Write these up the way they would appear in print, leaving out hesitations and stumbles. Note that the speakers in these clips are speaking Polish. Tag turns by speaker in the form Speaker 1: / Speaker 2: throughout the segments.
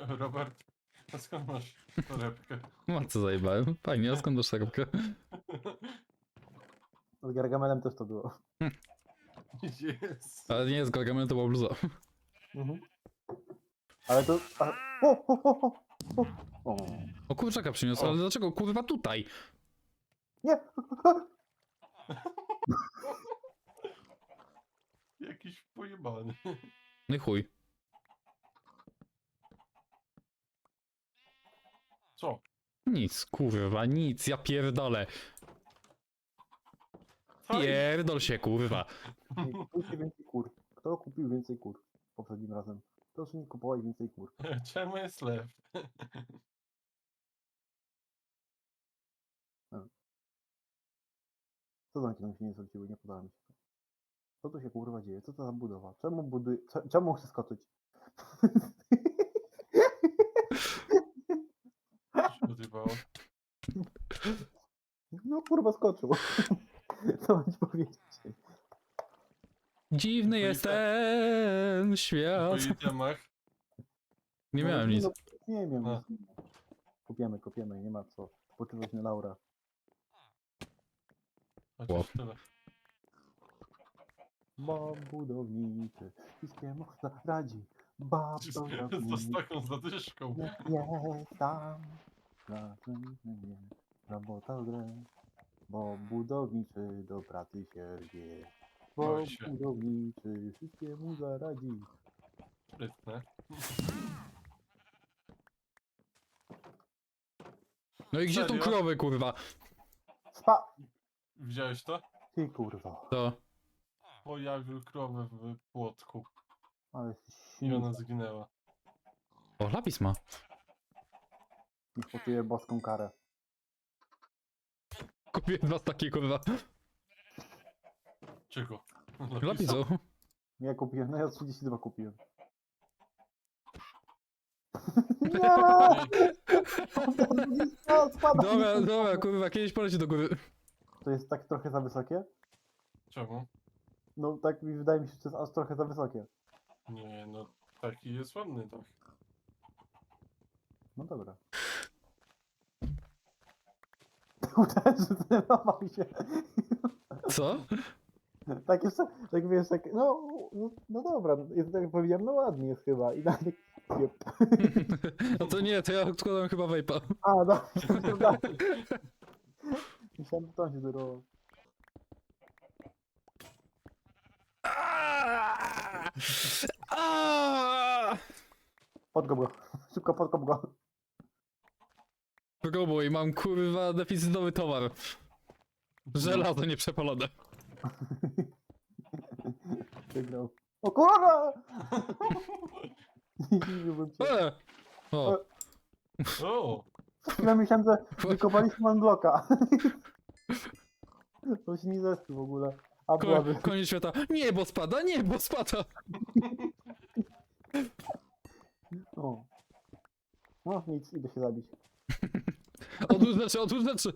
Speaker 1: Robert, a skąd masz torebkę?
Speaker 2: No co zajebałem? Fajnie, a skąd masz torebkę?
Speaker 3: Z Gargamelem też to było.
Speaker 1: Jest.
Speaker 2: Ale nie jest Gargamel, to była bluza.
Speaker 3: Mhm. Ale to... O! O!
Speaker 2: O kurczaka przyniosł,
Speaker 1: O.
Speaker 2: ale dlaczego kurwa tutaj?
Speaker 3: Nie!
Speaker 1: Jakiś pojebany.
Speaker 2: No i chuj.
Speaker 1: Co?
Speaker 2: Nic, kurwa, nic, ja pierdolę.
Speaker 1: Co?
Speaker 2: Pierdol się, kurwa.
Speaker 3: Nie kupujcie więcej kur. Kto kupił więcej kur poprzednim razem? Proszę nie kupować więcej kur.
Speaker 1: Czemu jest lew?
Speaker 3: Co za się nie zwróciły? Nie podoba mi się to. Co tu się kurwa dzieje? Co to za budowa? Czemu buduje... Czemu chcę skoczyć?
Speaker 1: Co się odjebało?
Speaker 3: No kurwa skoczył. Co mam ci powiedzieć?
Speaker 2: Dziwny
Speaker 1: Po
Speaker 2: jest ten
Speaker 1: Po
Speaker 2: świat.
Speaker 1: itemach.
Speaker 2: Nie
Speaker 3: No,
Speaker 2: miałem nic.
Speaker 3: no, nie wiem.
Speaker 1: A.
Speaker 3: Kopiemy, nie ma co. Spoczywać na laura.
Speaker 1: Chociaż
Speaker 2: Łap.
Speaker 1: tyle.
Speaker 3: Bob budowniczy, wszystkiemu radzi. Bob
Speaker 1: Z
Speaker 3: budowniczy,
Speaker 1: taką zadyszką.
Speaker 3: jest tam. Nie, robota w grę. Bob budowniczy do pracy się rwie. Bob
Speaker 1: Oj się.
Speaker 3: budowniczy, wszystkiemu zaradzi.
Speaker 1: Sprytne.
Speaker 2: No i gdzie tą
Speaker 1: Serio?
Speaker 2: krowę, kurwa?
Speaker 1: Widziałeś to?
Speaker 3: Ty kurwa,
Speaker 2: To.
Speaker 1: Pojawił krowę w płotku.
Speaker 3: ale jesteś
Speaker 1: I
Speaker 3: silny.
Speaker 1: ona zginęła.
Speaker 2: O, lapis ma.
Speaker 3: Niech poczuję boską karę.
Speaker 2: Kupiłem dwa takie, kurwa.
Speaker 1: Czego?
Speaker 2: Lapisu.
Speaker 3: Ja kupiłem, no ja 32 kupiłem. No, spada mi
Speaker 2: Dobra,
Speaker 3: ten
Speaker 2: dobra,
Speaker 3: pomysł.
Speaker 2: kurwa, kiedyś poleci do góry.
Speaker 3: To jest tak trochę za wysokie?
Speaker 1: Czemu?
Speaker 3: No tak mi wydaje mi się, że to jest aż trochę za wysokie.
Speaker 1: Nie, no taki jest ładny, tak.
Speaker 3: No dobra. Uderzył, zdenerwował się.
Speaker 2: Co?
Speaker 3: Tak jeszcze, tak wiesz, tak, no dobra, jest, tak jak powiedziałem, no ładnie jest chyba. I dalej, jep.
Speaker 2: No to nie, to ja odkładam chyba vape'a.
Speaker 3: A, no, to dalej. Myślałem, że to się zerwało. Podkop go, szybko podkop go.
Speaker 2: Próbuj, mam kurwa deficytowy towar. Żelazo nieprzepalone.
Speaker 3: Wygrał. O kurwa! Nie dziwiłbym się.
Speaker 2: O!
Speaker 1: O!
Speaker 3: Ja myślałem, że wykopaliśmy unblocka. To się nie zeszło w ogóle. A byłaby.
Speaker 2: Koniec świata. Niebo spada, niebo spada!
Speaker 3: O. No nic, idę się zabić.
Speaker 2: Odłóż rzeczy, odłóż rzeczy!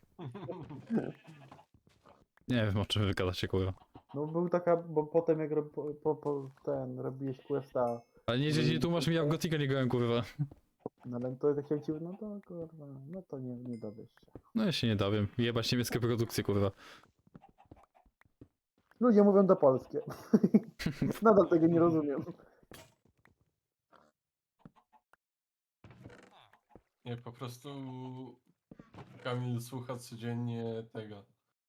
Speaker 2: Nie wiem, o czym wygadacie, kurwa.
Speaker 3: No był taka, bo potem jak robiłeś questa,
Speaker 2: Ale nie tłumacz mi, ja w Gotika nie grałem, kurwa.
Speaker 3: no ale to jak się ci, no to kurwa, no to nie dowiesz się.
Speaker 2: No ja się nie dowiem. Jebać niemieckie produkcje, kurwa.
Speaker 3: Ludzie mówią to polskie. Nadal tego nie rozumiem.
Speaker 1: Nie, po prostu Kamil słucha codziennie tego.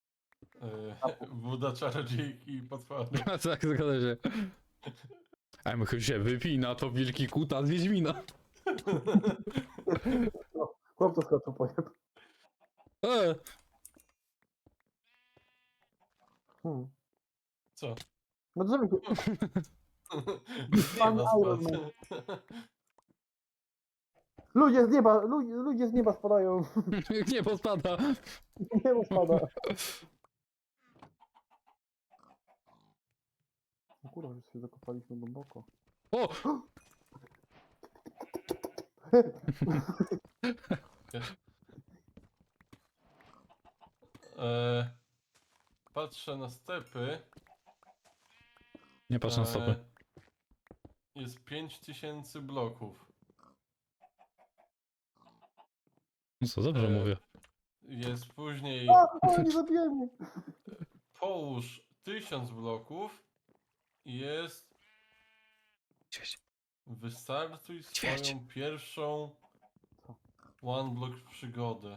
Speaker 1: Woda czarodziejki i potwory.
Speaker 2: A tak, zgadza się. A my się wypina, to wielki kuta z Wiedźmina.
Speaker 3: No, chłop to skoczył pojeb.
Speaker 2: E,
Speaker 1: Co?
Speaker 3: No drzewo się...
Speaker 1: Nie
Speaker 3: Pan
Speaker 1: ma
Speaker 3: Iron
Speaker 1: spad.
Speaker 3: Ludzie z nieba, ludzie z nieba spadają.
Speaker 2: niebo spada.
Speaker 3: Niebo spada. No kurwa, już się zakopaliśmy głęboko.
Speaker 2: O!
Speaker 1: Patrzę na stepy.
Speaker 2: Nie patrz na stopy.
Speaker 1: Jest 5000 bloków.
Speaker 2: No co, dobrze
Speaker 1: E,
Speaker 2: mówię.
Speaker 1: Jest później
Speaker 3: O, nie zabiłem mnie!
Speaker 1: połóż 1000 bloków i jest wystartuj
Speaker 2: Ćwierć.
Speaker 1: swoją pierwszą
Speaker 3: Co?
Speaker 1: one block przygodę.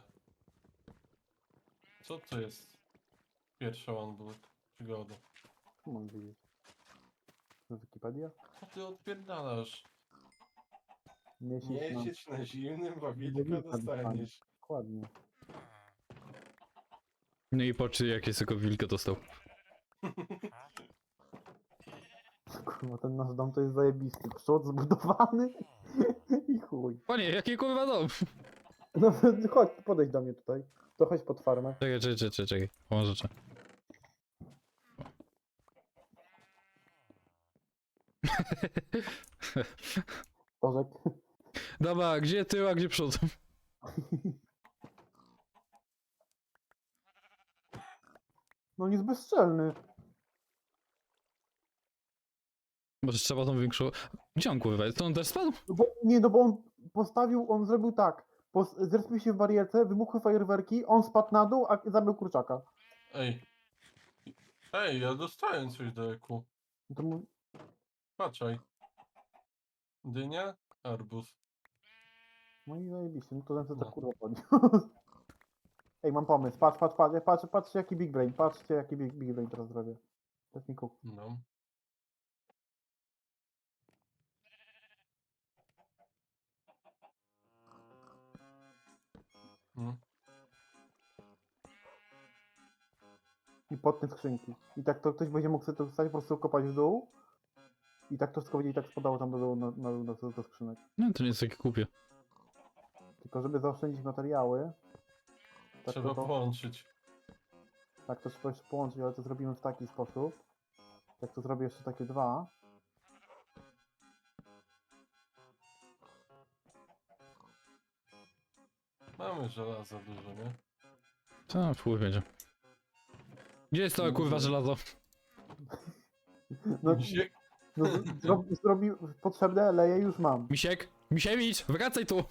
Speaker 1: Co to jest pierwsza one block przygoda?
Speaker 3: Co mam wiedzieć? To Wikipedia?
Speaker 1: Co ty odpierdalasz?
Speaker 3: Miesiąc
Speaker 1: Nie
Speaker 3: na...
Speaker 1: siedź na zimnym, bo wilka
Speaker 3: wilka
Speaker 1: dostaniesz.
Speaker 3: Dokładnie.
Speaker 2: No i patrz jakie tylko wilka dostał.
Speaker 3: Kurwa, ten nasz dom to jest zajebisty. Przód zbudowany i chuj.
Speaker 2: Panie, jaki kurwa dom?
Speaker 3: No chodź, podejdź do mnie tutaj. To chodź pod farmę.
Speaker 2: Czekaj. Pomoże.
Speaker 3: Orzek.
Speaker 2: Dobra, gdzie tył, a gdzie przód?
Speaker 3: No on jest bezczelny.
Speaker 2: Może trzeba tą większą... Gdzie on kurwa jest? To on też spadł?
Speaker 3: No bo, nie, no bo on postawił, on zrobił tak. Zrespił się w barierce, wybuchły fajerwerki, on spadł na dół, a zabił kurczaka.
Speaker 1: Ej. Ej, ja dostałem coś do eku.
Speaker 3: No to mu...
Speaker 1: Patrzaj. Dynia, arbuz.
Speaker 3: No i zajebiście, no to ten co
Speaker 1: No.
Speaker 3: to kurwa podniósł. Ej, mam pomysł, patrzcie jaki big brain, patrzcie jaki big brain teraz zrobię. Daj mi kuk.
Speaker 1: No. Mm.
Speaker 3: I pod te skrzynki. I tak to ktoś będzie mógł sobie to wstać, po prostu kopać w dół. I tak to wszystko będzie i tak spadało tam do dołu do skrzynek.
Speaker 2: No to nie jest takie kupie.
Speaker 3: Tylko żeby zaoszczędzić materiały, tak
Speaker 1: Trzeba
Speaker 3: to
Speaker 1: połączyć.
Speaker 3: tak to trzeba jeszcze połączyć, ale to zrobimy w taki sposób. Jak to zrobię jeszcze takie dwa.
Speaker 1: Mamy żelaza dużo, nie?
Speaker 2: Co, wpływ będzie. Gdzie jest to kurwa żelazo?
Speaker 3: No,
Speaker 1: Misiek?
Speaker 3: no zrobi potrzebne, leje już mam.
Speaker 2: Misiewicz, wracaj tu!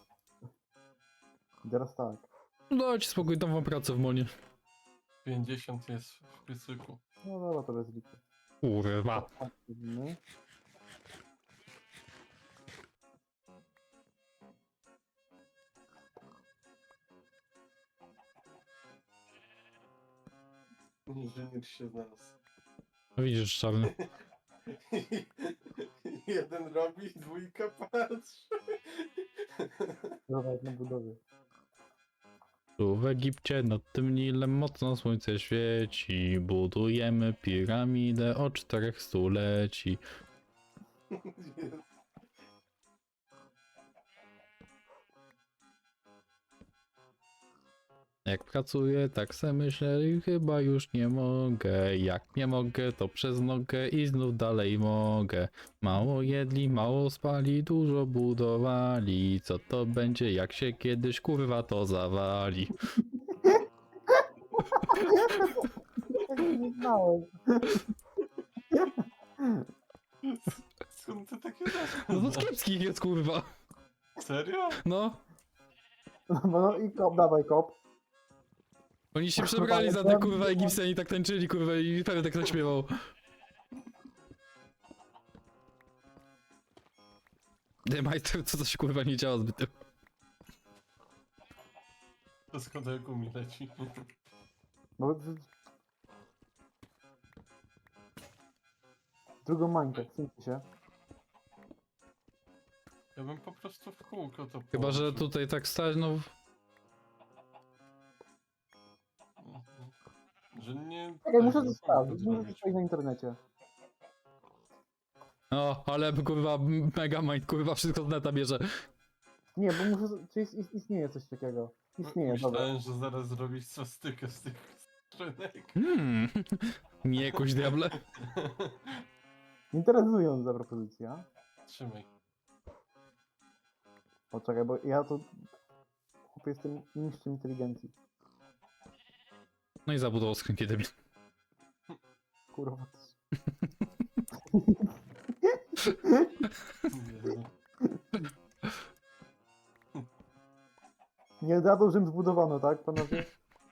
Speaker 3: I teraz tak.
Speaker 2: Dajcie spokój, dam wam pracę w monie.
Speaker 1: 50 jest w piecyku.
Speaker 3: No dobra, to bez liczby.
Speaker 2: Kurwa.
Speaker 3: Zrobimy.
Speaker 1: Inżynier się znalazł.
Speaker 2: No widzisz, czarny.
Speaker 1: Jeden robi, dwójka patrzy.
Speaker 3: Dobra, jak na budowie.
Speaker 2: Tu w Egipcie nad tym Nilem mocno słońce świeci. Budujemy piramidę o 4 stuleci. Jak pracuję, tak se myślę i chyba już nie mogę. Jak nie mogę, to przez nogę i znów dalej mogę. Mało jedli, mało spali, dużo budowali. Co to będzie, jak się kiedyś kurwa to zawali?
Speaker 3: Tego nie znałem.
Speaker 1: Skąd ty takie znasz?
Speaker 2: No to z kiepskich jest kurwa.
Speaker 1: Serio?
Speaker 2: No,
Speaker 3: No i kop, dawaj kop.
Speaker 2: oni się przebrali za te kurwa Egipcjanie i tak tańczyli kurwa i pewnie tak zaśpiewał. Majster, co to się kurwa nie działa zbyt.
Speaker 1: To skąd eku mi leci?
Speaker 3: No, drugą mańkę, wsuńcie się.
Speaker 1: Ja bym po prostu w kółko to
Speaker 2: Chyba, że
Speaker 1: połączył.
Speaker 2: tutaj tak stać, no...
Speaker 1: Że nie...
Speaker 3: Czekaj, muszę
Speaker 1: tego,
Speaker 3: to sprawdzić,
Speaker 1: kółko
Speaker 3: muszę
Speaker 1: zrobić.
Speaker 3: sprawdzić na internecie.
Speaker 2: No, ale kurwa Megamind kurwa wszystko z neta bierze.
Speaker 3: Nie, bo muszę, czy istnieje coś takiego. Istnieje, dobra.
Speaker 1: Myślałem, że zaraz zrobisz swastykę z tych skrzynek.
Speaker 2: Nie jakoś diable.
Speaker 3: Interesująca propozycja.
Speaker 1: Trzymaj.
Speaker 3: Poczekaj, bo ja to... Chłopie, jestem mistrzem inteligencji.
Speaker 2: No i zabudował skrzynki debil.
Speaker 3: Kurwa.
Speaker 1: Jezu.
Speaker 3: Nie dadzą, Rzym zbudowano, tak, panowie?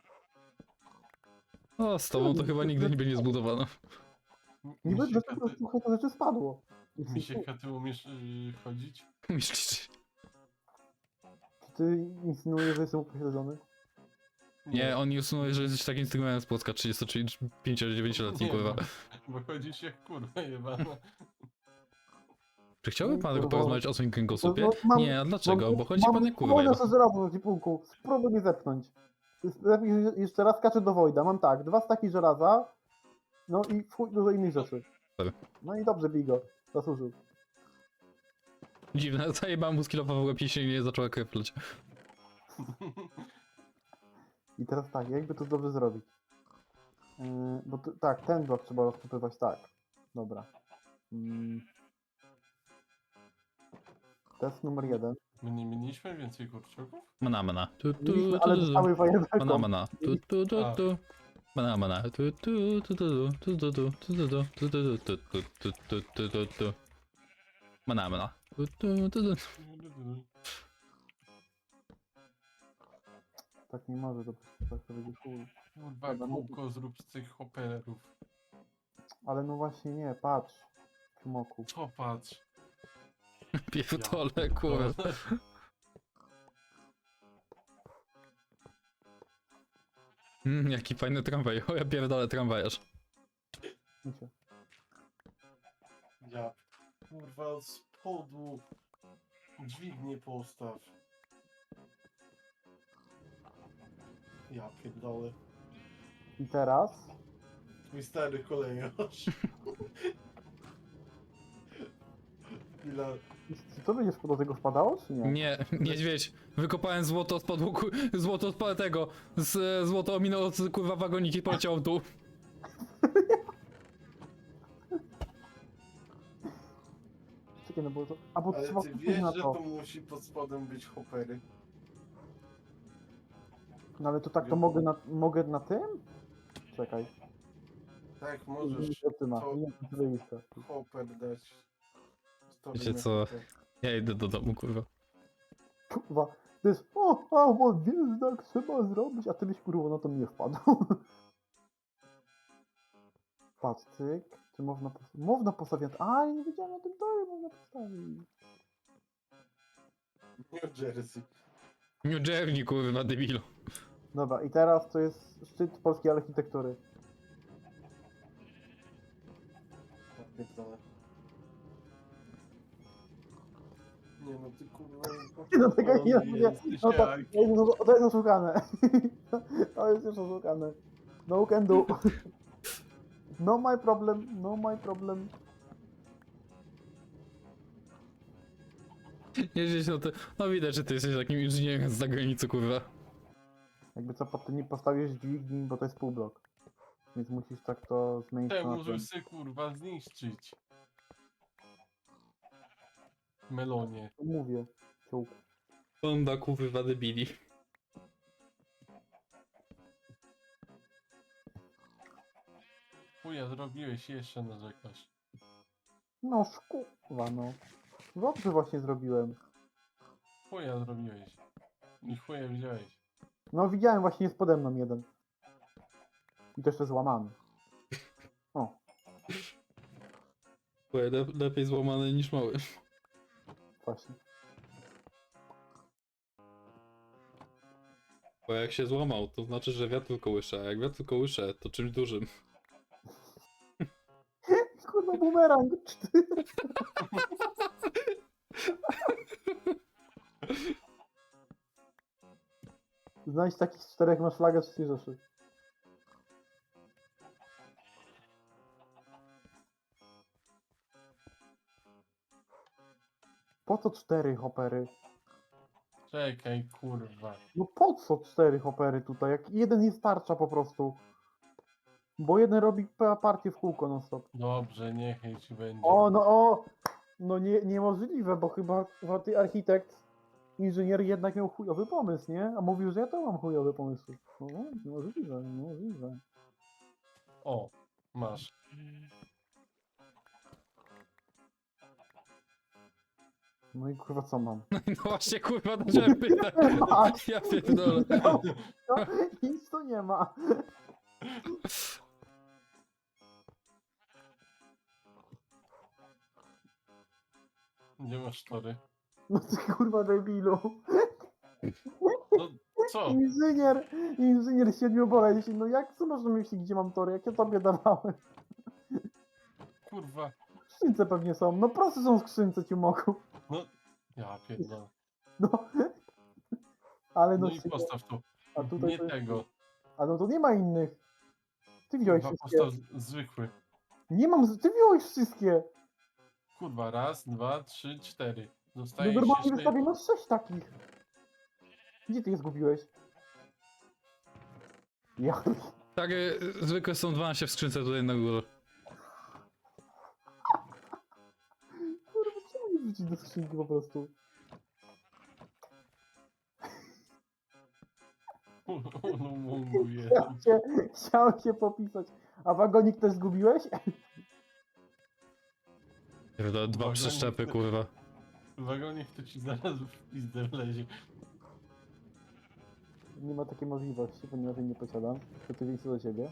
Speaker 2: O, z tobą to chyba nigdy nie będzie zbudowano.
Speaker 3: Niby
Speaker 1: Misiek,
Speaker 3: dlaczego trochę to rzeczy spadło.
Speaker 1: Misiek, a ty umiesz chodzić?
Speaker 2: Myślisz?
Speaker 3: Czy ty insynuujesz, że jestem upośledzony?
Speaker 2: Nie, on nie usunął, że jesteś takim Instagramem z Płocka 35-9-letni,
Speaker 1: Nie,
Speaker 2: kurwa.
Speaker 1: Bo chodzisz jak kurwa jebana.
Speaker 2: Czy chciałby pan
Speaker 3: Kurwa.
Speaker 2: porozmawiać o swoim kręgosłupie?
Speaker 3: No, mam-
Speaker 2: Nie, a dlaczego? Bo chodzi
Speaker 3: mam
Speaker 2: pan jak kurwa
Speaker 3: spróbuję
Speaker 2: jeba.
Speaker 3: nasze żelazo na cipułku. Spróbuj mnie zepchnąć. Lepiej jeszcze raz kaczę do Wojda. Mam tak, 2 staki żelaza, no i w chuj dużo innych rzeczy.
Speaker 2: Dobra.
Speaker 3: No i dobrze, Bigo. Zasłużył.
Speaker 2: Dziwne, zajebałem mu skillowa w łeb i się nie zaczęła krew leć.
Speaker 3: I teraz tak, jakby to dobrze zrobić? Bo tak, ten blok trzeba rozkopywać tak. Dobra. Test numer 1.
Speaker 1: My nie mieliśmy więcej kurczaków?
Speaker 2: Mana. Tu, tu,
Speaker 3: Mieliśmy,
Speaker 2: tu,
Speaker 3: ale
Speaker 2: tu,
Speaker 3: dostały fajerwerką.
Speaker 2: Mana. Tu, tu, tu, tu. Mana. Tu, tu, tu, tu, tu, tu, tu, tu, tu, tu, tu, tu, tu, tu, tu, tu, tu, tu. Mana. Tu, tu, tu, tu.
Speaker 3: Tak nie może, to tak to będzie chuj.
Speaker 1: Kurwa, kółko zrób z tych hopperów.
Speaker 3: Ale no właśnie nie, patrz. Kumoku.
Speaker 1: Co patrz?
Speaker 2: Pierdolę, kurwa. Jaki fajny tramwaj. O, ja pierdolę tramwajarz.
Speaker 3: Idźcie.
Speaker 1: Ja, kurwa, od spodu dźwignię postaw. Ja pierdolę.
Speaker 3: I teraz
Speaker 1: Mój stary kolejarz. Chwila.
Speaker 3: czy to będziesz do tego wpadało, czy nie?
Speaker 2: Nie, niedźwiedź. Wykopałem złoto z podłuku, złoto z tego, złoto ominęło kurwa wagoniki i poleciało w dół.
Speaker 3: Czekaj, no bo to... A bo
Speaker 1: Ale
Speaker 3: trzeba
Speaker 1: ty
Speaker 3: kupić
Speaker 1: wiesz,
Speaker 3: na
Speaker 1: że
Speaker 3: to.
Speaker 1: to musi pod spodem być hoppery.
Speaker 3: No ale to tak to mogę na tym? Czekaj.
Speaker 1: Tak, możesz
Speaker 3: Zaczyna.
Speaker 1: to-
Speaker 3: Nie, to lista.
Speaker 1: hopper dać. Stoi
Speaker 2: Wiecie
Speaker 1: na
Speaker 2: co?
Speaker 1: hopper.
Speaker 2: Ja idę do domu, kurwa.
Speaker 3: Kurwa. To jest bo wiesz, tak trzeba zrobić, a ty byś kurwa na to nie wpadł. Patrz, cyk. Czy można postawić? A, ja nie wiedziałem o tym, to można postawić.
Speaker 1: New Jersey.
Speaker 2: New Jersey, kurwa, debilu.
Speaker 3: Dobra, i teraz to jest szczyt polskiej architektury.
Speaker 1: Ja pierdolę. Nie no, ty kurwa...
Speaker 3: Nie, no tego nie,
Speaker 1: pochwalony
Speaker 3: nie.
Speaker 1: jesteś,
Speaker 3: No
Speaker 1: jak.
Speaker 3: to jest oszukane. To jest już oszukane. No can do. No my problem, no my problem.
Speaker 2: Jeździć no to... No widać, że ty jesteś takim inżynierem z zagranicy, kurwa.
Speaker 3: Jakby co, ty nie postawisz dźwigni, bo to jest półblok. Więc musisz tak to zmienić
Speaker 1: Te
Speaker 3: to na
Speaker 1: możesz
Speaker 3: tym.
Speaker 1: sobie kurwa zniszczyć. Melonie.
Speaker 3: To mówię. Ciołku.
Speaker 2: Banda, kurwa, debili.
Speaker 1: Chuja zrobiłeś, jeszcze narzekasz.
Speaker 3: No szkuwa, no. Dobrze właśnie zrobiłem.
Speaker 1: Chuja zrobiłeś. I chuja wziąłeś.
Speaker 3: No widziałem, właśnie jest pode mną jeden. I to jeszcze złamany. O,
Speaker 2: Lepiej złamany niż mały.
Speaker 3: właśnie.
Speaker 2: Bo jak się złamał, to znaczy, że wiatr kołysze, a jak wiatr kołysze, to czymś dużym.
Speaker 3: Kurwa, bumerang. Znajdź takich z 4 masz flagę z Rzeszy. Po co 4 hopery?
Speaker 1: Czekaj, kurwa.
Speaker 3: No po co 4 hopery tutaj? Jak jeden jest tarcza po prostu. Bo jeden robi partię w kółko non stop.
Speaker 1: Dobrze, niechaj ci będzie.
Speaker 3: O! No niemożliwe, bo chyba ty architekt, inżynier jednak miał chujowy pomysł, nie? A mówił, że ja to mam chujowy pomysł. No, niemożliwe.
Speaker 1: O, masz.
Speaker 3: No i kurwa co mam?
Speaker 2: No właśnie, kurwa, zacząłem pytać. Ja pierdolę.
Speaker 3: No, nic tu nie ma.
Speaker 1: Nie masz tory.
Speaker 3: No ty kurwa debilu.
Speaker 1: No co?
Speaker 3: Inżynier 7 boleści. No jak co masz na myśli, gdzie mam tory? Jak ja tobie dawałem?
Speaker 1: Kurwa.
Speaker 3: W skrzynce pewnie są. No proste są w skrzynce, ciumoku.
Speaker 1: No. Ja pierdolę.
Speaker 3: No. Ale
Speaker 1: No
Speaker 3: no,
Speaker 1: i postaw tu.
Speaker 3: a tutaj
Speaker 1: Nie
Speaker 3: to jest...
Speaker 1: tego.
Speaker 3: A no to nie ma innych. Ty wziąłeś
Speaker 1: Kurwa,
Speaker 3: wszystkie.
Speaker 1: postaw zwykły.
Speaker 3: Nie mam, ty wziąłeś wszystkie.
Speaker 1: Kurwa, raz, dwa, trzy, cztery.
Speaker 3: No
Speaker 1: Zostaje
Speaker 3: normalnie
Speaker 1: jeszcze...
Speaker 3: wystawiono 6 takich. Gdzie ty je zgubiłeś? Ja...
Speaker 2: Tak, zwykle są 12 w skrzynce tutaj na górze.
Speaker 3: Kurwa, czemu nie wrzucić do skrzynki po prostu?
Speaker 1: No mówię.
Speaker 3: Chciałem się popisać. A wagonik też zgubiłeś?
Speaker 2: Pierdolę, dwa
Speaker 1: Uwaga,
Speaker 2: przeszczepy,
Speaker 1: nie-
Speaker 2: kurwa.
Speaker 1: Wagonik to ci zaraz w pizdę wlezie.
Speaker 3: Nie ma takiej możliwości, ponieważ jej nie posiadam. Przeciwieństwo do ciebie.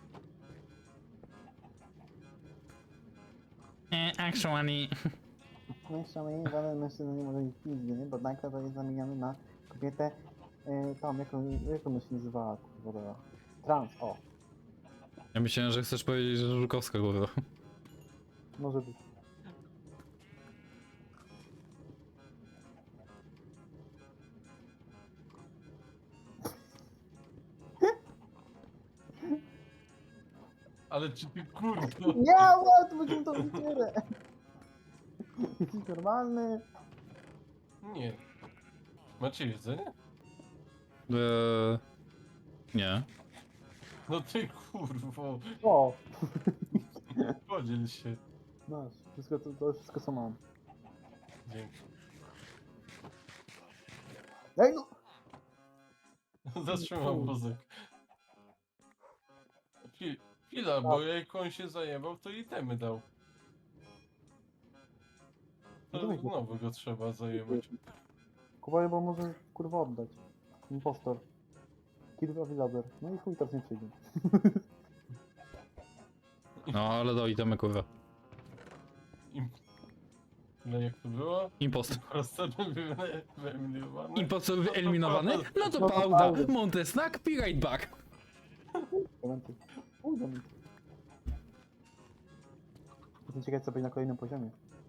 Speaker 2: Actually...
Speaker 3: No i szalenie, żaden mężczyzna nie może mieć pizdy, nie? Bo nagle to jest zamieniony na kobietę, tam, jak ona się nazywała, kurwa, trans, o,
Speaker 2: Ja myślałem, że chcesz powiedzieć, że Żukowska, kurwa.
Speaker 3: może być.
Speaker 1: Ale czy ty kurwa...
Speaker 3: Nie, ład, będziemy to wycierę. Jesteś normalny?
Speaker 1: Nie. Macie jedzenie?
Speaker 2: Nie.
Speaker 1: No ty kurwo.
Speaker 3: O,
Speaker 1: Podziel się.
Speaker 3: masz, wszystko, to wszystko co mam.
Speaker 1: Dzięki.
Speaker 3: Ej, no!
Speaker 1: Zatrzymam wózek. Chwila, bo jak on się zajebał, to i temy dał.
Speaker 3: No
Speaker 1: To
Speaker 3: dawaj go.
Speaker 1: znowu go trzeba zajebać.
Speaker 3: Kupuję, bo może kurwa oddać. Impostor. Kilka villager. No i chuj, teraz nie przyjdzie.
Speaker 2: No, ale do itemy, kurwa.
Speaker 1: Im... No jak to było?
Speaker 2: Impost.
Speaker 1: Prosto wyeliminowany.
Speaker 2: Impost wyeliminowany? No to
Speaker 3: No to
Speaker 2: pauza.
Speaker 3: pauza.
Speaker 2: Montesnack, be right back.
Speaker 3: Momenty. Uj, moment. Jestem ciekaw, co będzie na kolejnym poziomie.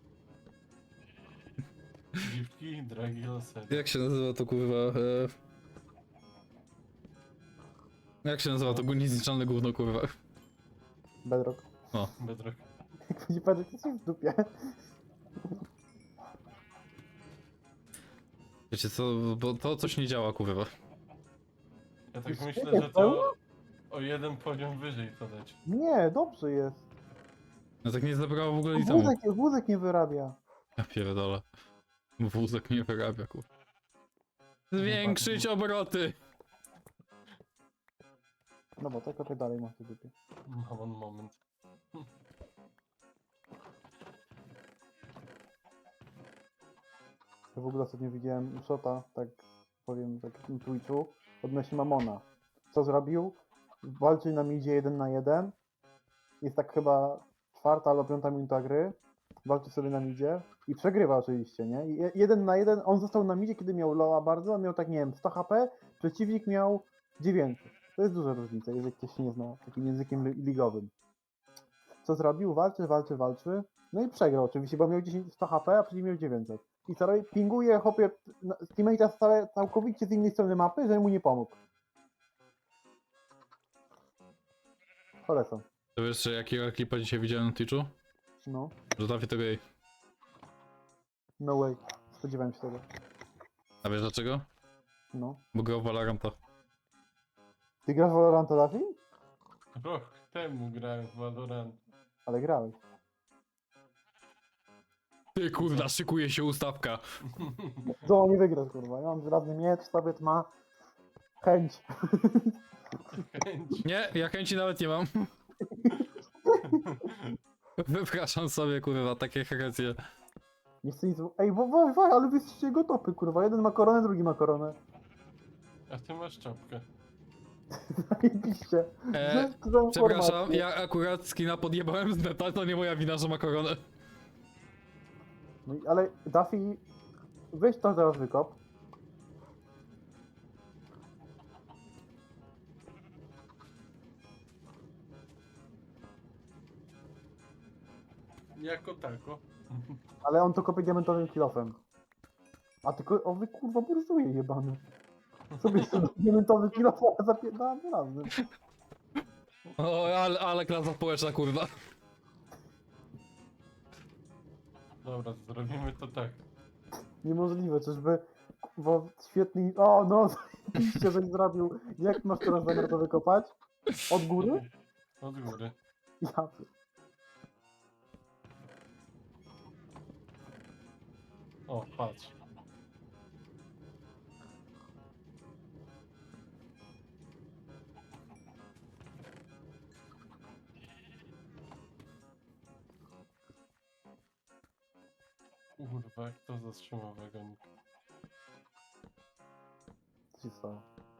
Speaker 1: Dziwki, dragi losy.
Speaker 2: Jak się nazywa to, kurwa? Jak się nazywa to niezniszczalne gówno, kurwa?
Speaker 3: Bedrock.
Speaker 1: Bedrock.
Speaker 3: Jak będzie Bedrock, to coś w dupie.
Speaker 2: Wiecie co, bo to coś nie działa, kurwa.
Speaker 1: Ja tak
Speaker 3: Już
Speaker 1: myślę,
Speaker 3: nie
Speaker 1: że
Speaker 3: pełno?
Speaker 1: to o jeden poziom wyżej to dać.
Speaker 3: Nie, dobrze jest.
Speaker 2: No tak nie zabrało w ogóle itemu.
Speaker 3: Wózek nie wyrabia.
Speaker 2: Ja pierdolę. Wózek nie wyrabia, kurwa. Zwiększyć obroty!
Speaker 3: No bo tak kopie dalej masz w dupie.
Speaker 1: Mam on moment.
Speaker 3: Ja w ogóle ostatnio widziałem shota, tak powiem, tak na Twitchu, odnośnie Mamona. Co zrobił? Walczył na midzie 1 na 1. Jest tak chyba 4. albo 5 minuta gry. Walczy sobie na midzie i przegrywa oczywiście, nie? I 1 na 1, on został na midzie, kiedy miał loa bardzo, a miał tak, nie wiem, 100 HP, przeciwnik miał 900. To jest duża różnica, jeżeli ktoś się nie zna takim językiem ligowym. Co zrobił? Walczy. No i przegrał oczywiście, bo miał 100 HP, a przeciwnik miał 900. I co robi? Pinguje chłopie teammate'a całkowicie z innej strony mapy, że mu nie pomógł. Polecam.
Speaker 2: To wiesz, że jakiego klipa dzisiaj widziałem na Twitchu?
Speaker 3: No,
Speaker 2: Że trafię to gej.
Speaker 3: no way. Spodziewałem się tego.
Speaker 2: A wiesz dlaczego?
Speaker 3: No.
Speaker 2: Bo grał w Valoranta.
Speaker 3: Ty grasz w Valoranta, Dafi?
Speaker 1: Rok temu grałem w Valorant.
Speaker 3: Ale grałeś.
Speaker 2: Ty kurwa, szykuje się ustawka.
Speaker 3: Co nie wygrasz, kurwa? Ja mam żelazny miecz, Sowiet ma chęć.
Speaker 1: Chęć.
Speaker 2: Nie, ja chęci nawet nie mam. Wypraszam sobie, kurwa, takie herecje.
Speaker 3: Nie chcę nic... Ej, ale wy jesteście jego topy, kurwa. Jeden ma koronę, drugi ma koronę.
Speaker 1: A ty masz czapkę.
Speaker 3: Zajebiście. Dzięki za
Speaker 2: Przepraszam,
Speaker 3: informację.
Speaker 2: ja akurat skina podjebałem z neta, to nie moja wina, że ma koronę.
Speaker 3: No, ale Duffy, weź to teraz wykop.
Speaker 1: Jako tako.
Speaker 3: Ale on to kopie diamentowym kilofem. A tylko, o wy kurwa burzuje jebany. Sobie sobie diamentowy kilof, a zapierdam razem.
Speaker 2: O, ale klasa społeczna, kurwa.
Speaker 1: Dobra, zrobimy to tak.
Speaker 3: Niemożliwe, czyżby kurwa świetny... O no, zajebiście, żeś zrobił. Jak masz teraz zamiar to wykopać? Od góry?
Speaker 1: Od góry.
Speaker 3: Ja... pier-
Speaker 1: O, patrz. Kurwa, jak to zatrzymał wagonik.
Speaker 3: Co się stało?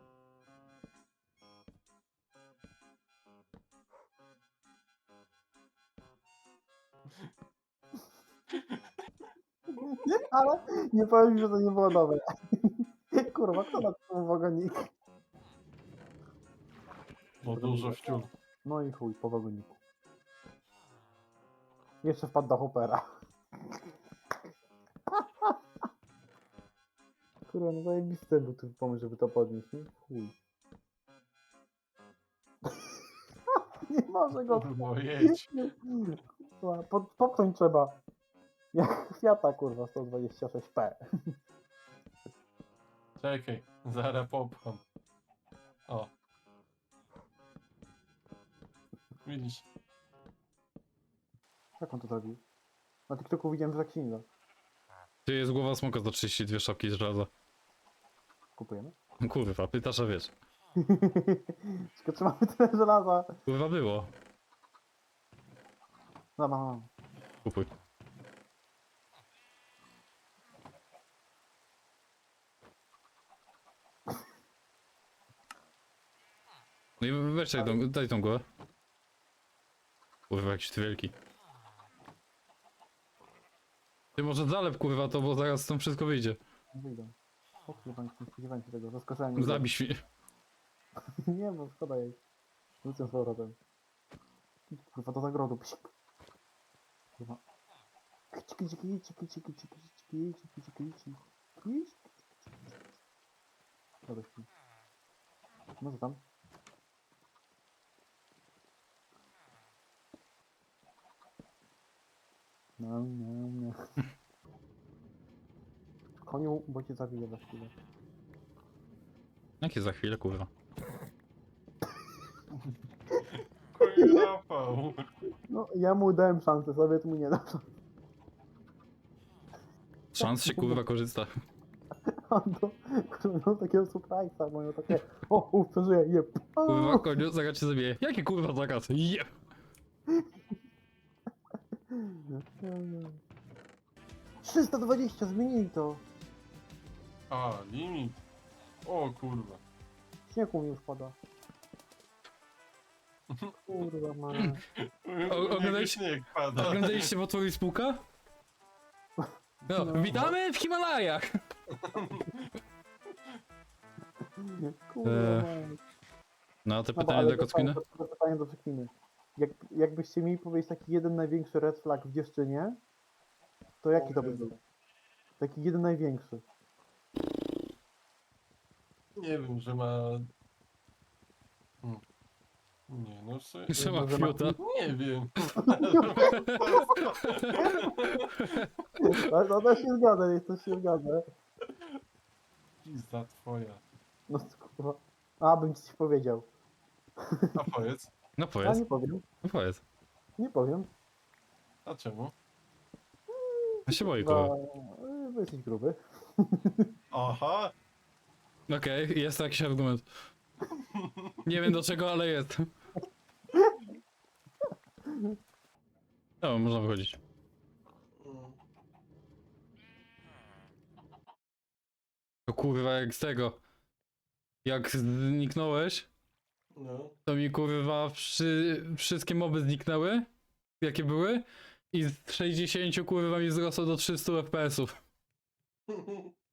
Speaker 3: Ale nie powiem, że to nie było dobre. Kurwa, kto na tym wagonik?
Speaker 1: Bo dużo wciół.
Speaker 3: No i chuj, po wagoniku. Jeszcze wpadł do hopera. Kurwa, no zajebisty był ten pomysł, żeby to podnieść, nie? Chuj. Nie może go...
Speaker 1: Kurwa, jedź.
Speaker 3: Kurwa, popchnąć trzeba. Jak Fiata, kurwa, 126p.
Speaker 1: Czekaj, zaraz popcham. O. Widzisz?
Speaker 3: Jak on to zrobił? Na TikToku widziałem, że tak się nie da.
Speaker 2: Tu jest głowa smoka za 32 sztabki z żelaza.
Speaker 3: Kupujemy?
Speaker 2: Kurwa, pytasz, a wiesz.
Speaker 3: Tylko trzymamy tyle żelaza.
Speaker 2: Kurwa było.
Speaker 3: No, no.
Speaker 2: Kupuj. No i weź daj tą głowę. Kurwa, jakiś ty wielki. Ty może zalep kurwa to, bo zaraz stąd wszystko wyjdzie.
Speaker 3: No wyjdę. O kurwa, nie spodziewałem się tego. Zaskoczenie. mnie.
Speaker 2: Zabij świnie.
Speaker 3: Nie, bo szkoda jej. Wrócę z powrotem. Kurwa, do zagrodu. Psik. Kurwa. Ciki, ciki, ciki, ciki, ciki, ciki, ciki, ciki, ciki. Dobra, śpi. No co tam? No, no, no. Koniu, bo cię zabiję za chwilę.
Speaker 2: Jakie za chwilę kurwa.
Speaker 1: Chuj zapał.
Speaker 3: No, ja mu dałem szansę, sobie tu mu nie dam.
Speaker 2: Szans się kurwa korzysta.
Speaker 3: On to, kurwa, miał takiego surprise'a, moją takie, o, przeżyję, jeb.
Speaker 2: Kurwa koniu, zaraz cię zabiję. Jaki kurwa zakaz? Jeb.
Speaker 3: 320, zmienili to.
Speaker 1: A, limit. O kurwa.
Speaker 3: Śnieg u mnie już pada. Kurwa, ma.
Speaker 2: Oglądaliście-
Speaker 1: Śnieg pada.
Speaker 2: Oglądaliście Potwór i Spółka? No,
Speaker 3: No.
Speaker 2: witamy w Himalajach!
Speaker 3: Kurwa, ma.
Speaker 2: No, te
Speaker 3: No,
Speaker 2: pytanie
Speaker 3: ale
Speaker 2: do Kocminy?
Speaker 3: to pytanie do Kocminy. Jakbyście mieli powiedzieć taki jeden największy red flag w dziewczynie, to jaki to by był? Taki jeden największy.
Speaker 1: Nie wiem, że ma... Nie, no sobie...
Speaker 2: Że ma
Speaker 3: Że ma-
Speaker 2: fiuta.
Speaker 1: Nie wiem.
Speaker 3: To się zgadza, to się zgadza.
Speaker 1: Pizda twoja.
Speaker 3: No kurwa. A, bym ci coś powiedział.
Speaker 1: A powiedz,
Speaker 2: No
Speaker 3: Ja
Speaker 2: powiedz,
Speaker 3: nie powiem.
Speaker 2: no powiedz.
Speaker 3: Nie powiem.
Speaker 1: a czemu?
Speaker 2: Ja się boję
Speaker 3: Bo
Speaker 2: kurwa.
Speaker 3: jesteś gruby.
Speaker 1: Aha!
Speaker 2: Okej, jest jakiś argument. Nie wiem do czego, ale jest. No, można wychodzić. To kurwa jak z tego. Jak zniknąłeś,
Speaker 1: No.
Speaker 2: to mi kurwa wszystkie moby zniknęły, jakie były, i z 60 kurwa mi wzrosło do 300 FPS-ów.